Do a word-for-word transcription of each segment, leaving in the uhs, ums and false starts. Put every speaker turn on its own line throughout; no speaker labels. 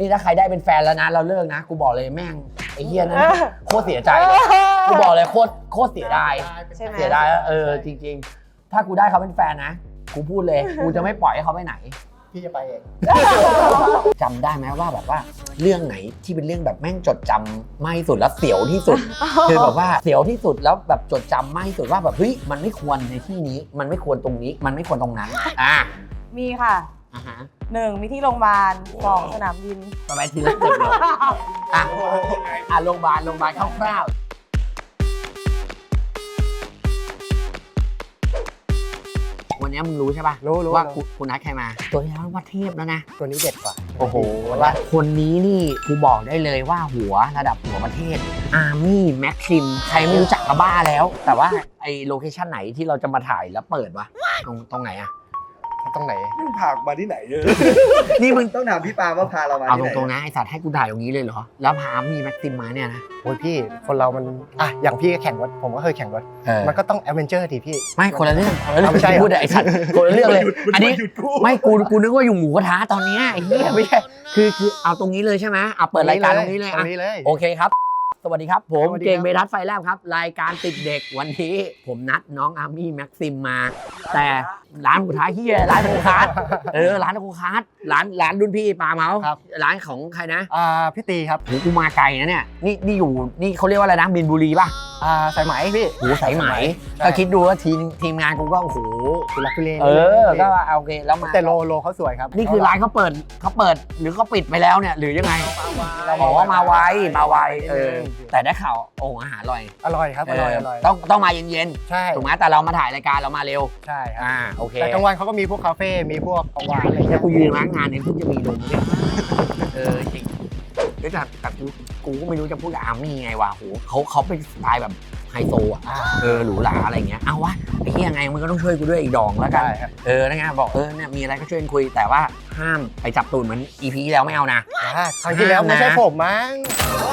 นี่ถ้าใครได้เป็นแฟนแล้วนะเราเลิกนะกูบอกเลยแม่งไอ้เหี้ยนั้นโคตรเสียใจกูบอกเลยโคตรโคตรเสียดายเสียดายเออจริงๆถ้ากูได้เขาเป็นแฟนนะกูพูดเลยกูจะไม่ปล่อยให้เขาไปไหน
พี่จะไปเอง
จำได้ไหมว่าแบบว่าเรื่องไหนที่เป็นเรื่องแบบแม่งจดจำมากที่สุดแล้วเสียวที่สุดคือแบบว่าเสียวที่สุดแล้วแบบจดจำมากที่สุดว่าแบบเฮ้ยมันไม่ควรในที่นี้มันไม่ควรตรงนี้มันไม่ควรตรงนั้นอ่ะ
มีค่ะ
อ่าฮะ
หนึ่งมีที่โรงพยาบาลสองสนามบิน
ประมาณทีละสิบเลยอ่ะอ่ะโรงพยาบาลโรงพยาบาลคร่าวๆวันนี้มึงรู้ใช่ป่ะ
รู้รู้
ว่าคุณนัดใครมาตัวนี้ว่าเทพแล้วนะ
ตัวนี้เด็ดกว่า
โอ้โหว่าคนนี้นี่กูบอกได้เลยว่าหัวระดับหัวประเทศอาร์มี่แม็กซิมใครไม่รู้จักก็บ้าแล้วแต่ว่าไอโลเคชั่นไหนที่เราจะมาถ่ายแล้วเปิดวะตรงตรงไหนอะ
ตรงไหน
พามาที่ไหนเยอะ
นี่มึง
ต้องถามพี่ปาว่าพาเรามา
เอา
ที่ไหน
ตรงๆนะไอสัตว์ให้กูถ่ายตรงนี้เลยเหรอแล้วพามีแม็กซิมมาเนี่ยนะ
โอ้ยพี่คนเรามันอ่ะอย่างพี่ก็แข่งรถผมก็เคยแข่งรถมันก็ต้องแอดเวนเจอร์ดิพี่
ไม่คนละเรื่องคนละเรื่อง
ไม่ใช่
พูดไอสัตว์คนละเรื่องเลยอันนี้ไม่กูกูนึกว่าอยู่หมูกระทะตอนนี้ไอ้เหี้ยไม่ใช่คือคือเอาตรงนี้เลยใช่ไหมเอาเปิดรายการตรงนี้เลย
ตรงนี้เลย
โอเคครับสวัสดีครับผมเก่งเบทัสไฟแลบครับรายการติดเด็กวันนี้ผมนัดน้องอาร์มี่แม็กซิมมาแต่ร้านหมูกระทะเฮียร้านโคคาร์ดเออร้านโคคาร์ดร้านร้านรุ่นพี่ปาเมาส์ร้านของใครนะ
อ่าพี่ตีครับ
โหกูมาไกลนะเนี่ยนี่นี่อยู่นี่เขาเรียกว่าอะไรนะบินบุรีป่ะ
อ่าสายไหมพี่
โหสายไหมก็คิดดูว่าทีมทีมงานกูก็โอ้โห
คุลักทุเล
เออก็โอเคแล้วมา
แต่โลโลเขาสวยครับ
นี่คือร้านเขาเปิดเขาเปิดหรือเขาปิดไปแล้วเนี่ยหรือยังไงบอกว่ามาไวมาไวเออแต่ได้ข่าวโอ้อาหารอร่อย
อร่อยครับอร่อยอร่อย
ต้องต้องมาเย็น
ๆใช่
ถูกไหมแต่เรามาถ่ายรายการเรามาเร็ว
ใช่ครับ
อ่าโอเค
แต่กลางวันเขาก็มีพวกคาเฟ่มีพวกของหวานอะไรเงี้ย
กูยืนร้านงานเนี่ยเพิ่งจะมีลมเนี่ยเออจริงแต่แต่กูกูก็ไม่รู้จะพูดกับอาร์มี่ไงวะโหเขาเขาเป็นสไตล์แบบไฮโซอ่ะเออหรูหราอะไรเงี้ยเอาวะไอ้เหี้ยไงมึงก็ต้องช่วยกูด้วยอีกดองแล้วกันเออนะไงบอกเออเนี่ยมีอะไรก็ช่วยคุยแต่ว่าห้ามไปจับตูดเหมือนอีพีแล้วไม่เอานะ
ครั้งที่แล้วไม่ใช่ผมมั้ง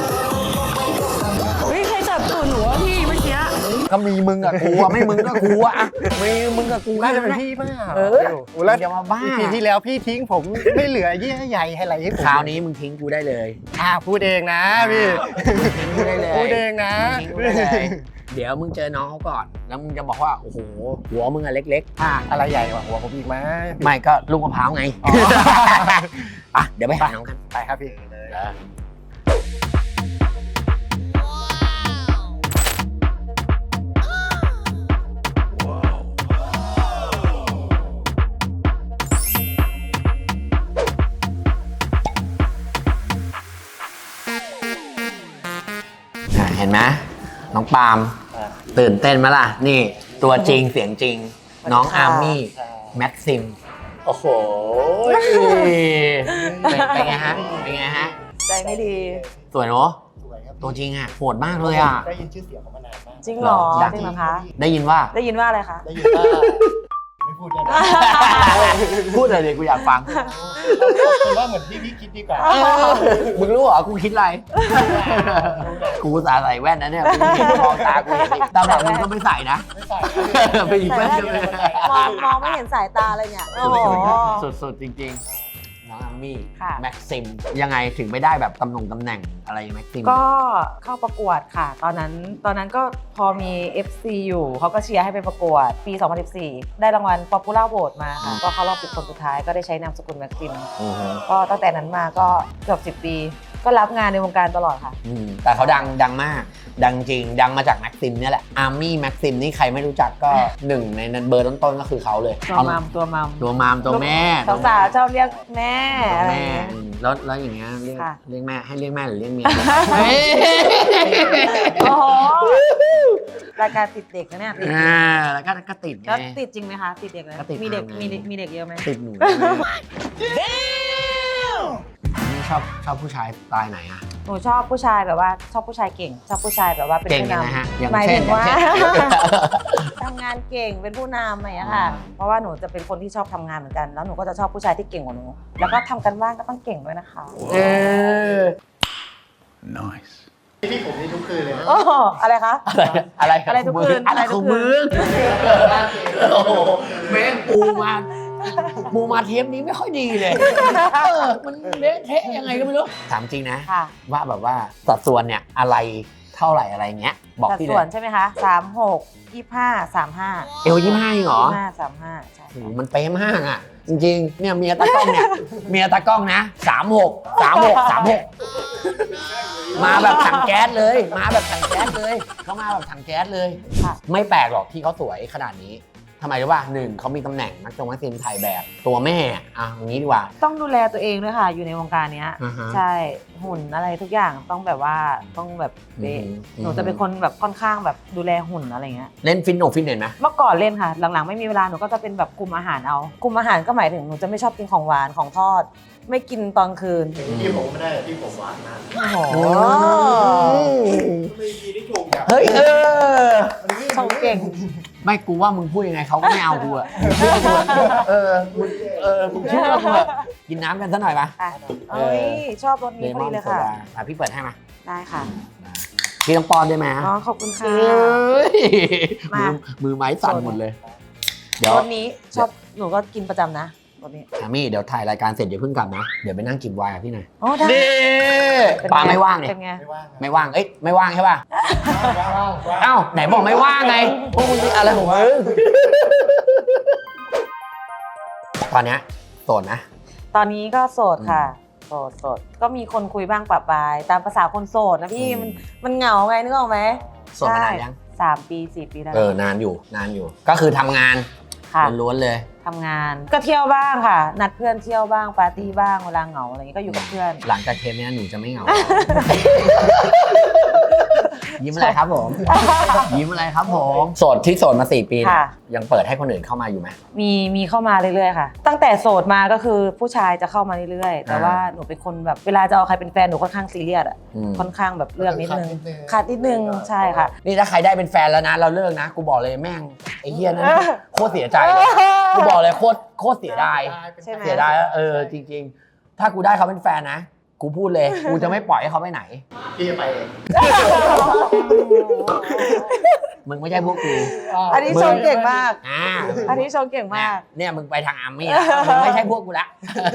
เฮ้ยใครจับตูดหนูวะพี่เมื่อกี้
ก็มีมึงกับกูอะไม่มึงก็กูอะมีมึงกับกู
น่าจะเป็นพี่มาก
เออแล้วจะมาบ้า
ปีที่แล้วพี่ทิ้งผมไม่เหลือเยื่อใยให้อะไรให้ผม
คราวนี้มึงทิ้งกูได้เลย
อ่าพูดเองนะพี่
พูดได้เลย
พูดเองนะ
เดี๋ยวมึงเจอน้องเขาก่อนแล้วมึงจะบอกว่าโอ้โหหัวมึงอะเล็กๆ
อ่ะอะไรใหญ่กว่าหัวผมอีกไหม
ไม่ก็ลูกมะพร้าวไงอ่ะเดี๋ยวไปหาน้องกัน
ไปครับพี่
เห็นไหมน้องปาล์มตื่นเต้นไหมล่ะนี่ตัวจริงเสียงจริงน้องอาร์มี่แม็กซิมโอ้โหเป็นไงฮะเป็นไงฮะ
ใจไม่ดี
สวยเนาะตัวจริงอ่ะโหดมากเลยอ่ะ
ได้ยินชื่อเสียงเขามานานมาก
จริงเหรอจริงเหรอคะ
ได้ยินว่า
ได้ยินว่าอะไรคะ
ได้ยินว่าไม่พูดได้ไหม
พูดอะไรเลยกูอยากฟัง
คือว่าเหมือนที่พี่คิดดีกว่า
มึงรู้เหรอกูคิดอะไรกูสาใส่แว่นนะเนี่ยกูมองตากูเห็นตาแบบมึงก็ไม่ใส่นะ
ไม่ใส่ไปหยิบแว่นมองมองไม่เห็นสายตาเลยเนี่ยโอ้โห
สุดๆจริงๆน้องอาร์มี่แม็กซิมยังไงถึงไม่ได้แบบตำแหน่งตำแหน่งอะไรแม็กซิม
ก็เข้าประกวดค่ะตอนนั้นตอนนั้นก็พอมี เอฟ ซี อยู่เขาก็เชียร์ให้ไปประกวดปีสองพันสิบสี่ได้รางวัล Popular Vote มาค่ะก็เข้ารอบสิบคนสุดท้ายก็ได้ใช้นามสกุลแม็กซิมก็ตั้งแต่นั้นมาก็เกือบสิบปีก็รับงานในวงการตลอดค่ะ
แต่เขาดังดังมากดังจริงดังมาจากแม็กซิมนี่แหละอาร์มี่แม็กซิมนี่ใครไม่รู้จักก็หนึ่งในเบอร์ต้นๆก็คือเขาเลย
ตัวมัมตัวมัม
ตัวมัมตัวแม่
สาวๆชอบเรียกแม่
แม่แล้วแล้วอย่างเงี้ยเรียกเรียกแม่ให้เรียกแม่หรือเรียกเมีย
โอ้โหรายการติดเด็กนะเนี่ย
อ่าแล้วก็ก็ติดไง
แล้วติดจริงไหมคะติดเด็กเลยมีเด็กมีมีเด็กเยอะไหม
ติดหนูชอบชอบผู้ชายสไตล์ไหนอะ
หนูชอบผู้ชายแบบว่าชอบผู้ชายเก่งชอบผู้ชายแบบว่าเป็นผู้น
ำ
หมายถึงว่าทำงานเก่งเป็นผู้นำอะไรอย่างเงี้ยค่ะเพราะว่าหนูจะเป็นคนที่ชอบทำงานเหมือนกันแล้วหนูก็จะชอบผู้ชายที่เก่งกว่าหนูแล้วก็ทำกันบ้านก็ต้องเก่งด้วยนะคะ
เออ
nice
พี่ผมนี่ทุกคืนเลย
โอ้อะไรคะ
อะไร
อะไรทุกคืน
อะไรของมึงโอ้โหแม่งปูมามูมาเทปนี้ไม่ค่อยดีเลยเออมันเละเทะยังไงก็ไม่รู้ถามจริงนะ
ค่ะ
ว่าแบบว่าสัดส่วนเนี่ยอะไรเท่าไหร่อะไรเงี้ยบอก
สัด
พี่
ส่วน
เลย
ใช่ไหมคะสามหกยี่ห้าสามห้า
เอวยี่ห้าเหรอ
ห้าสามห้าใช่
โอ้โหมันเป๊ะมากอ่ะ จริงๆเนี่ยเมียตากล้องเนี่ยเมียตากล้องนะสามหกสามหกสามหกมาแบบถังแก๊สเลย มาแบบถังแก๊สเลยเขามาแบบถังแก๊สเลย
ค่ะ
ไม่แปลกหรอกที่เขาสวยขนาดนี้ทำไมรู้ป่ะหนึ่งเขามีตำแหน่งนักจงนักศิลป์ถ่ายแบบตัวแม่อ่ะอย่างนี้ดีกว่า
ต้องดูแลตัวเองด้วยค่ะ อยู่ในวงการเนี้ย
อ่าฮะ
ใช่หุ่นอะไรทุกอย่างต้องแบบว่าต้องแบบเป๊ะ
อืม
หนูจะเป็นคนแบบค่อนข้างแบบดูแลหุ่นอะไรเงี้ย
เล่นฟิตโนฟิตเนสไหม
เมื่อก่อนเล่นค่ะ หลังๆไม่มีเวลาหนูก็จะเป็นแบบคุมอาหารเอาคุมอาหารก็หมายถึงหนูจะไม่ชอบกินของหวานของทอด ไม่กินตอนคืน
พี่ผมไม่ได้พี่ผมหวานนะ
โอ้โห
ไม่มีที่ถูกอย่าง
เฮ้ยเออ
ชงเก่ง
ไม่กูว่ามึงพูดยังไงเขาก็ไม่เอากูอะเชื่อกูอะเออมึงเออมึงเชื่อกูอะกินน้ำกันซะหน่อยปะ
อ่ะเอ้ยชอบรส
เล
นี้พอ
มอ
ดี
น
เลย
โซ
ค่ะ
ดาอ่ะพี่เปิดให้มา
ได้ค่ะ
พี่ต้องป้อนด้วยไหม
อ๋อขอบคุณค่ะ
เอ้ย
มา
มือมือไม้สั่นหมดเลย เดี๋ยว
รสนี้ชอบหนูก็กินประจำนะรสนี้
อามี่เดี๋ยวถ่ายรายการเสร็จเดี๋ยวเพิ่งกลับนะ เดี๋ยวไปนั่งจิบไวน์กับพี่หน่อย
อ๋อได้
นี่
เป็น
ปลา
ไง
ไม่ว่างเนี่ย
เป็นไง
ไม่ว่าง
ไม่ว่าง เอ้ยไม่ว่างใช่ป่ะเอ้าไหนบอกไม่ว่างไงพวกมึงอะไรของมึงตอนเนี้ยโสดนะ
ตอนนี้ก็โสดค่ะ โสดโสดก็มีคนคุยบ้างปะปาย ตามภาษาคนโสดนะพี่
อืม
มันมันเหงาไงนึกออกไหม
โสดมานานยัง
สามปีสี่ปีแล้ว
เออนานอยู่นานอยู่ ก็คือทำงาน
ค่ะ
ล้วนๆเลย
ทำงานก็เที่ยวบ้างค่ะ นัดเพื่อนเที่ยวบ้างปาร์ตี้บ้างเวลาเหงาอะไรอย่างงี้ก็อยู่กับเพื่อน
หลังจากเทปเนี้ยหนูจะไม่เหงา ยิ้มอะไรครับผม ยิ้มอะไรครับผมโสดที่โสดมาสี่ปีเนี่ย
ค่ะ
ยังเปิดให้คนอื่นเข้ามาอยู่ไหม
มีมีเข้ามาเรื่อยๆค่ะ ตั้งแต่โสดมาก็คือผู้ชายจะเข้ามาเรื่อยๆ แต่
อ่า
ว่าหนูเป็นคนแบบเวลาจะเอาใครเป็นแฟนหนูค่อนข้างซีเรียสอ่ะ
อืม
ค่อนข้างแบบเลือกนิดนึง
ขา
ขา
ด
ด
นิ
นิ
ด
ด
นึ
นึ
ง
งใช่ค่ะ
นี่ถ้าใครได้เป็นแฟนแล้วนะ เราเลิกนะ กูบอกเลยแม่งไอ้เฮียนั้นโคตรเสียใจเลยกูบอกเลยโคตรโคตรเสียดาย
ใช่ไหม
เสียดายเออจริง ๆ ถ้ากูได้เขาเป็นแฟนนะ กูพูดเลย กูจะไม่ปล่อยให้เขาไปไหน
พี่จะไปเอง
มึงไม่ใช่พวกกู
อันนี้ชมเก่งมาก
อ่า
อันนี้ชมเก่งมาก
เนี่ยมึงไปทางอาร์มี่แล้วมึงไม่ใช่พวกกูละ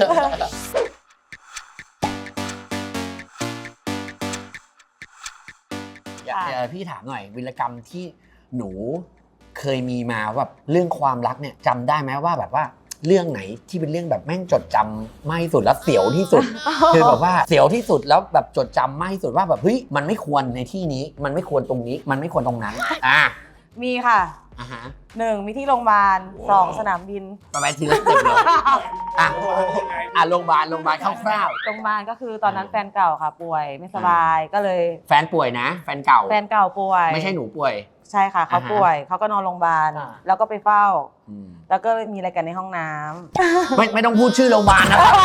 อยากเอ่อพี่ถามหน่อยวิรกรรมที่หนูเคยมีมาแบบเรื่องความรักเนี่ยจำได้ไหมว่าแบบว่าเรื่องไหนที่เป็นเรื่องแบบแม่งจดจำมากที่สุดแล้วเสียวที่สุด คือแบบว่าเสียวที่สุดแล้วแบบจดจำมากที่สุดว่าแบบเฮ้ยมันไม่ควรในที่นี้ มันไม่ควรตรงนี้ มันไม่ควรตรงนั้นอ่า
มีค่ะ
อ่าฮะ
หนึ่งมีที่โรงพยาบาลสองสนามบิน
ไปไปทีละสเต็ปเลยอ่ะอ่ะโรงพยาบาลโรงพยาบาลคร่าว
โรงพยาบาลก็คือตอนนั้นแฟนเก่าค่ะ ป่วยไม่สบายก็เลย
ๆแฟนป่วยนะ แฟนเก่า
แฟนเก่าป่วย
ไม่ใช่หนูป่วย
ใช่ค่ะเขา
อ่าฮะ
ป่วยเขาก็นอนโรงพยาบาล
อ่า
แล้วก็ไปเฝ้า
อืม
แล้วก็มีอะไรกันในห้องน้ำ
ไม่ไม่ต้องพูดชื่อโรงพยาบาลนะครับ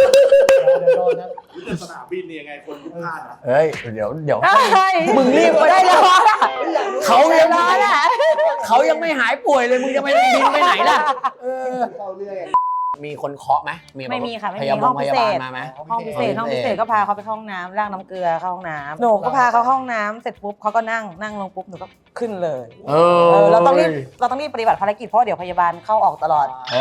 แต่สนามบินเนี่ยยังไงคนพลาดอ่ะ
เฮ้ยเดี๋ยวเดี๋ยว
เฮ้ย
มึงรีบไปได้แล้วเขายัง
ร้อนอ่ะ
เขายังไม่หายป่วยเลยมึงจะไปบินไปไหนล่ะเออ
เข้าเรื่อย
มีคนเคาะไหมแบบ
ไม่มีค่ะไม่
พ
มี
ยา
ห้
บา
อ
ล
ง
พ
พิ
ยา
เศ
บาล
ษ
มาไหม
ห้องพิเศษ
ห้
ห้
อ
อง ง
พิ
พิ
เศ
เศ
ษ
ษก็พาเขาไปเข้าห้องน้ำล้างน้ำเกลือเข้าห้องน้ำหนูก็พาเขาเข้าห้องน้ำเสร็จปุ๊บเขาก็นั่งนั่งลงปุ๊บหนูก็ขึ้นเลย
เอ
เอ
อ
อเราต้องรีบเราต้องรีบปฏิบัติภารกิจเพราะเดี๋ยวพยาบาลเข้าออกตลอด
เอ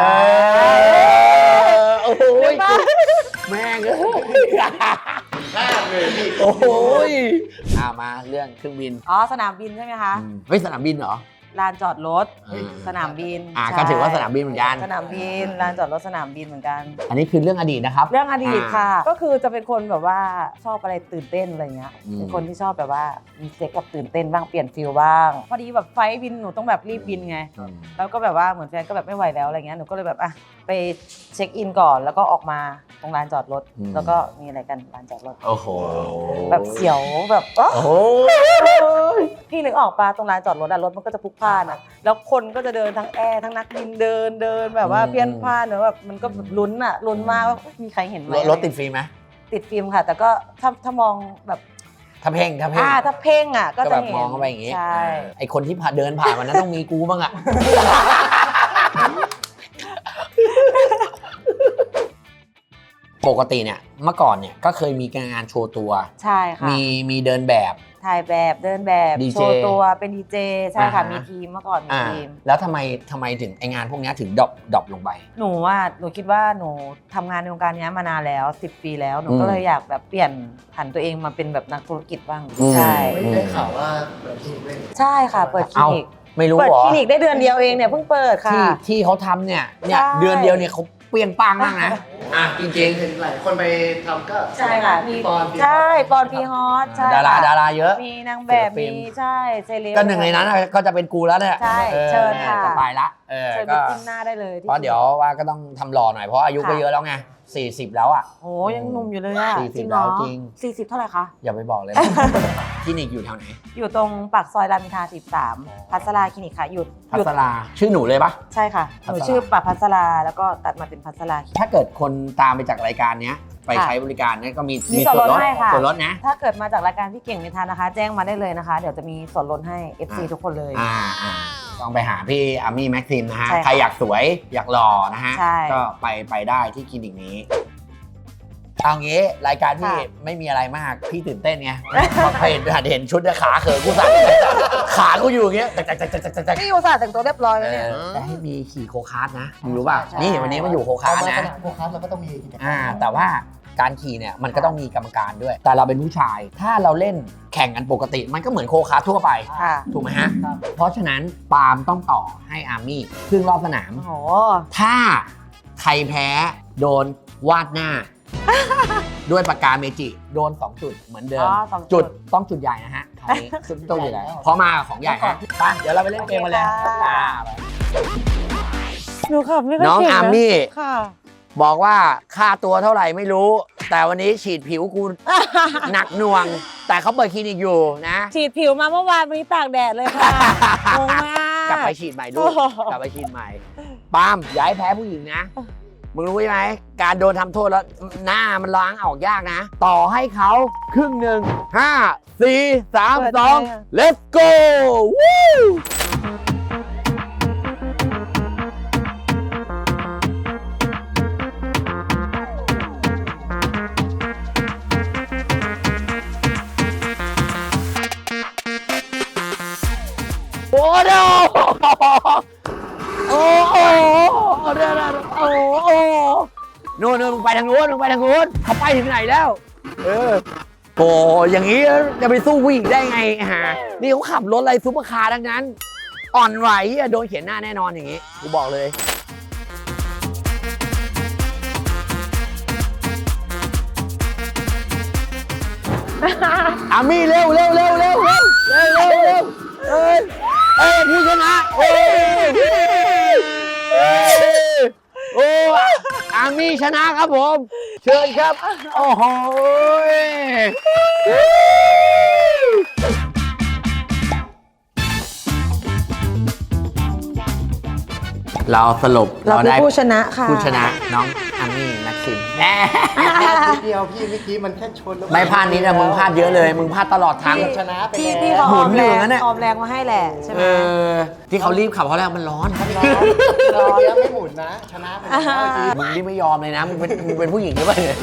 อโอ้โหแม่งเอ้ย
พลาดเลยพี่
โอ้โหอ่ามาเรื่องเครื่องบิน
อ๋อสนามบินใช่ไหมคะ
อืมเฮ้ยสนามบินเหรอ
ลานจอดรถ
เออ
สนามบิน
อ่า
ใช่
ก็ถือว่าสนามบินเหมือนกัน
สนามบินลานจอดรถสนามบินเหมือนกัน
อันนี้คือเรื่องอดีตนะครับ
เรื่องอดีต
อ่า
ค่ะ ก็คือจะเป็นคนแบบว่าชอบอะไรตื่นเต้นอะไรเงี้ย
อืม
เป็นคนที่ชอบแบบว่ามีเซ็กกับตื่นเต้นบ้างเปลี่ยนฟิลบ้าง พอดีแบบไฟล์บินหนูต้องแบบรีบบินไง
อืม
แล้วก็แบบว่าเหมือนแฟนก็แบบไม่ไหวแล้วอะไรเงี้ย หนูก็เลยแบบอ่ะไปเช็คอินก่อน แล้วก็ออกมาตรงลานจอดรถ แล้วก็มีอะไรกันลานจอดรถ
โอ้โห
แบบเสียวแบบเอ้อ
โอ้โห
พี่นึกออกปะตรงลานจอดรถอะรถมันก็จะพลุกพล่านอะแล้วคนก็จะเดินทั้งแอร์ทั้งนักบินเดินเดินแบบว่าเพี้ยนพล่านเนอะแบบมันก็แบบลุ้นอะลุ้นมากว่ามีใครเห็นไหม
รถติดฟรีไหม
ติดฟิล์มค่ะ แต่ก็ถ้าถ้ามองแบบ
ถ้าเพ่งถ้าเพ่ง
อ่าถ้าเพ่งอะก็
ก็
จะ
แบบ
เห็น
มองเข้าไปอย่างงี้
ใช่
ไอคนที่ผ่านเดินผ่านวันนั้นต้องมีกูบ้างอะ ปกติเนี่ยเมื่อก่อนเนี่ยก็เคยมีงานโชว์ตัว
ใช่ค่ะ
มีมีเดินแบบ
ถ่ายแบบเดินแบบ
ดีเจ
โชว์ตัวเป็นดีเจใช่ค่ะ
อ่าฮะ
มีทีมเมื่อก่อนมี
อ่า
ทีม
แล้วทำไมทำไมถึงไองานพวกเนี้ยถึงดรอปดรอปลงไป
หนูว่าหนูคิดว่าหนูทำงานในวงการนี้มานานแล้วสิบปีแล้วหนู
อืม
ก็เลยอยากแบบเปลี่ยนผันตัวเองมาเป็นแบบนักธุรกิจบ้าง
อืม
ใช่
ไม่ได้ข่าวว่าเปิดคลินิกด้วย
ใช่ค่ะ เปิดคลิ
เอ้า
นิก
ไม่รู้
เปิด
เหรอ
คลินิกได้เดือนเดียวเองเนี่ยเพิ่งเปิดค่ะ
ที่ที่เขาทำเนี่ยเนี่ย
ใช่
เดือนเดียวเนี่ยเขาเปรี้ยงป้างมากนะ อ่ะจริง
เห็นหลายคนไปทำก็
ใช่ค่ะมี
ปอนปี
ใช่ปอนพีฮอตใช่
ๆ ดารา
ค่ะ
ดาราเยอะ
มีนางแบบ
ศิลปิน
มีใช่เซเลบ
ก็หนึ่งในนั้นน่ะก็จะเป็นกูแล้วเนี่ย
ใช่
ออ
เชิญค่ะ
จะไปละเออ
เชิญไป
ก็
จิ้มหน้าได้เลยที่
เพราะเดี๋ยวว่าก็ต้องทำหล่อหน่อยเพราะอายุก็
ค่ะ
เยอะแล้วไงสี่สิบแล้วอ่ะ
โอ้ยังหนุ่มอยู่เลยอะ
สี่สิบ
จริงเหรอ
แล้วจริง
สี่สิบเท่าไหร่คะ
อย่าไปบอกเลย คลินิกอยู่แถวไหน
อยู่ตรงปากซอยรามอินทราสิบสามพัสราคลินิกค่ะหยุด
พั
หยุด
สราชื่อหนูเลยปะ
ใช่ค่ะ
พั
ห
สรา
นูชื่อปะพัสราแล้วก็ตัดมาเป็นพัสรา
ถ้าเกิดคนตามไปจากรายการเนี้ยไป
ค่ะ
ใช้บริการเนี่ยก็มี
มีส่วนลดให้ค่ะ
ส่วนลดนะ
ถ้าเกิดมาจากรายการพี่เก่งไม่ทันนะคะ แจ้งมาได้เลยนะคะ เดี๋ยวจะมีส่วนลดให้ เอฟ ซี
อ่า
ทุกคนเลย
อ่าอ่าต้องไปหาพี่อามี่แม็กซิมนะฮะ
ใช่ค่ะ
ใครอยากสวยอยากหล่อนะฮะ
ใช่
ก็ไปไปได้ที่คลินิกนี้เอางี้รายการพี่
ค่ะ
ไม่มีอะไรมากพี่ตื่นเต้นไงพอเห็นเห็นชุดเนี่ยขาเขินกูสั่นขากูอยู่อย่างเงี้ยจักจักจักจักจักจัก
นี่อุตส่าห์แต่งตัวเรียบร้อย
เอ
แล้วเนี่ย
อแต่ให้มีขี่โคคาร์ทนะมึงรู้ป่ะ
ใช่
นี่วันนี้มาอยู่โคคา
เอา
ร์ท
มาส
นะ
นามโคคัสเราก็ต้องมีกิจกรรม
อ่าแต่ว่าการขี่เนี่ยมันก็ต้องมีกรรมการด้วย แต่เราเป็นผู้ชาย ถ้าเราเล่นแข่งกันปกติ มันก็เหมือนโคคาร์ททั่วไป
ค่ะ
ถูกไหมฮะ
ครับ
เพราะฉะนั้นปาล์มต้องต่อให้อาร์มี่ครึ่งรอบสนาม
โอ้โห
ถ้าใครแพ้โดนวาดหน้า ด้วยปากกาเมจิโดน สอง จุดเหมือนเดิม
อ๋อสองจุ
จุ
ด
ดต้องจุดใหญ่นะฮะคราวนี้จุดต้องจุดใหญ่เพราะมากับของใหญ่ฮะไปเดี๋ยวเราไปเล่นเกมกันเลย
โอเคค่ะ
อ่า
หนูขับไม่ค่อย
น้อง
เก่ง
อาร์
นะ
มี่
ค่ะ
บอกว่าค่าตัวเท่าไหร่ไม่รู้ แต่วันนี้ฉีดผิวกู หนักหน่วง แต่เขาเปิดคลินิกอยู่นะ
ฉีดผิวมาเมื่อวานวันนี้ตากแดดเลยค่ะงงมาก
กลับไปฉีดใหม่ลูก
โอ้โห
กลับไปฉีดใหม่ปาล์มอย่าให้แพ้ผู้หญิงนะ มึงรู้ไหมการโดนทำโทษแล้วหน้ามันล้างออกยากนะ ต่อให้เขาครึ่งหนึ่งห้าสี่สามสอง let's go วู้โอ้โหโอ้โหเดี๋ยวๆโอ้โหนู่นนู่นมึงไปทางนู้นมึงไปทางนู้นเขาไปถึงไหนแล้ว เออโอ้อย่างนี้จะไปสู้ผู้หญิงได้ไงฮะนี่เขาขับรถอะไรซุปเปอร์คาร์ทั้งนั้น อ่อนไหวอะโดนเขียนหน้าแน่นอนอย่างนี้ กูบอกเลย อามี่เร็วเร็วเร็วเร็วเร็วเร็วเร็วเร็วเอ้ยเอ้ยผู้ชนะโอ้ยเอ้ยโอ้อามี่ชนะครับผม เชิญครับ โอ้โหเราสรุป
เราคือ
ได้
ผู้ชนะค่ะ
ผู้ชนะน้องอามี่แม็กซิมแหม
พลาดนิดเดียวพี่เมื่อกี้มันแค่ชนแล้ว
ไม่พลาดนิดนะมึงพลาดเยอะเลย มึงพลาดตลอดทาง
เกือบชนะไป
พี่
แล้ว
พี่เขา
หมุ
ออน ม
อยู่
แร
อง ย่างนั้นน่ะ
ออมแรงมาให้แหละใช่ไหม
เออที่เขารีบขับเพราะอะไรมันร้อน
ร้อนร้อนแล้วไม่หมุนนะ ชนะไปแล้วเมื่อกี้
มึงนี่ไม่ยอมเลยนะ มึงเป็นมึงเป็นผู้หญิงหรือเปล่าเนี่ย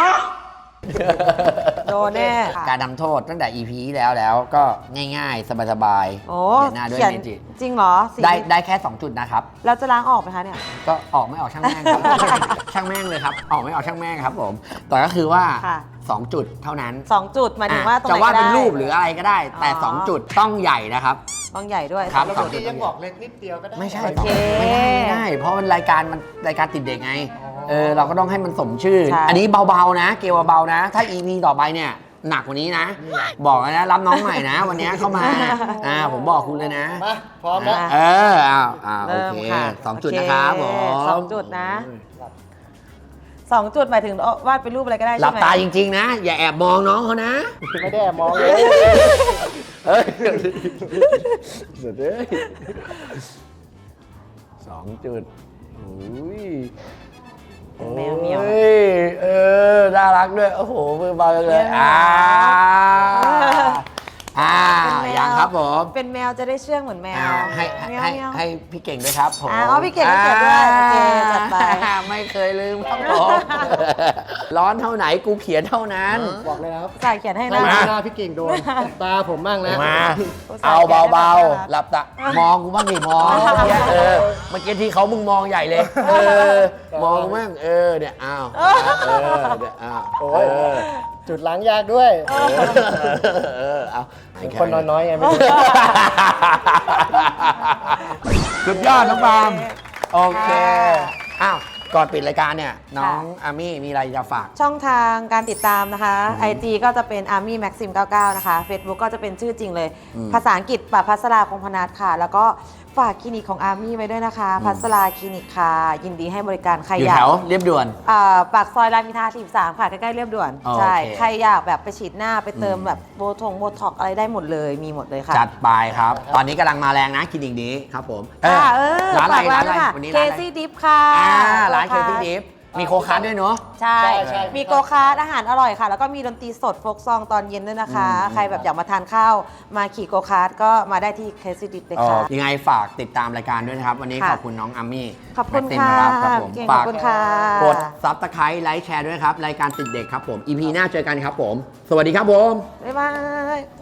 โดนแน่
การทำโทษตั้งแต่ อี พี ที่แล้วแล้วก็ง่ายๆ สบาย
โอ้
เขียนหน้าด้วย
เขียน
เมจิ
จริงเหรอสี
ได้ได้แค่ สอง จุดนะครับ
เราจะล้างออกไหมคะเนี่ย
ก็ออกไม่ออกช่างแม่งครับ ช่างแม่งเลยครับ ออกไม่ออกช่างแม่งครับผม แต่ก็คือว่า
ค่ะ
สอง จุดเท่านั้น
สองจุดหมายถึงว่าตรงไหน
จะวาด
ก็
เป็น
ได้
รูปหรืออะไรก็ได้ แต่
อ๋อ
สอง จุดต้องใหญ่นะครับ
ต้องใหญ่ด้วย
ครับ
สอง
เมื่
จุ
อ
ด
กี้ยังบอกเล็กนิดเดียวก็ได้
ไม่ใช่
โอเค
ไม่ได้ไม่ได้ เพราะมันรายการมันรายการติดเด็กไง
อ๋อ
เออเราก็ต้องให้มันสมชื่อ
ใช่
อันนี้เบาๆนะ เกมเบาๆนะ ถ้า อี พี ต่อไปเนี่ย หนักกว่านี้นะ บอกเลยนะรับน้องใหม่นะ วันนี้เข้ามาอ่าผมบอกคุณเลยนะ
มาพร้อมแล้ว
เอออ้าวอ้าวโอ
เริ่ม
เค
ค่ะ
สองจุด
โอเค
นะครับผม
สองจุดนะ สองจุดหมายถึงวาดเป็นรูปอะไรก็ได้
หลั
ใช่
บ
ไหม
ตาจริงๆนะ อย่าแอบมองน้องเขานะ
ไม่ได้มองเลย
เฮ้ยสุดเลยสองจุดอุ้ย
แมวเหมียว
โอ้ยเออ น่ารักด้วย โอ้โห มือเบาจังเลย
แมวเหมียว
อ่าอ่า
เป็นแมว
อย่างครับผม
เป็นแมวจะได้เชื่องเหมือนแมว
อ่าให้
แมว
ให้
แมว
ให้พี่เก่งด้วยครับผม
อ่าอ๋อพี่เก่งให้เกียรติด้วยโอเคจัดไป
อ่าไม่เคยลืมครับผม ร้อนเท่าไหนกูเขียนเท่านั้น
บอกเลยนะครับ
ใส่เขียนให้
หน้า
นะ
หน้าพี่เก่งโดนตาผมบ้างแล้ว
มา
อุตส่าห์
เอาเบา
แกะได้แบบ
ๆ หลับตามองกูบ้างดิมองเมื่อกี้เออเมื่อกี้ที่เขามึงมองใหญ่เลย เออ มองกูบ้างเออเนี่ยอ้าวเออเนี่ยอ้าว
โอ้
เอย อ
จุดล้างยากด้วย
เออเอา
คนน้อยๆไงไม่รู้
สุดยอดน้องปาล์มโอเคอ้าวก่อนปิดรายการเนี่ยน้องอามี่มีอะไรจะฝาก
ช่องทางการติดตามนะคะ ไอ จี ก็จะเป็น Army Maxim เก้าสิบเก้า นะคะ Facebook ก็จะเป็นชื่อจริงเลย
อืม
ภาษาอังกฤษปะพัสราคงพนัทค่ะ แล้วก็ฝากคลินิกของ Army ไว้ด้วยนะคะ พัสราคลินิกค่ะ ยินดีให้บริการใคร
อยู่
อยา
แถ
ก
วเรียบด่วน
อ่าปากซอยรามอินทราสี่สิบสามค่ะ ใกล้ๆเรียบด่วน
โอเค
ใช่ ใครอยากแบบไปฉีดหน้าไปเติม
อืม
แบบโบทงโบท็อกอะไรได้หมดเลย มีหมดเลยค่ะ
จัดไปครับ ตอนนี้กำลังมาแรงนะคลินิกนี้ครับผมเออ
ค่ะเออ
ร้านอะไร
ฝาก
ร้านอะไร
ค่ะ
วันนี้
เค
ร้านอะไร
ซี่ดิฟค่ะ
อ่าร้านเคที่ดิฟมีโคคัสด้วยเนาะ
ใช่
ใช่ใช่
มีโกคาร์ทอาหารอร่อยค่ะ แล้วก็มีดนตรีสดโฟกซองตอนเย็นด้วยนะคะ
อืม
ใครแบบอยากมาทานข้าว มาขี่โกคาร์ทก็มาได้ที่เคซี่ดิฟเลยค่ะ
ยังไงฝากติดตามรายการด้วยนะครับ วันนี้
ค่ะ
ขอบคุณน้องอามี่
ขอบคุณ
แม็กซิม
ค่ะ
นะครับครับผม
เก่งข
ฝา
อก บคุณค่ะ
กดซับสไครต์ไลค์แชร์ด้วยครับ รายการติดเด็กครับผม อี พี หน้าเจอกันครับผม สวัสดีครับผม
บ๊ายบาย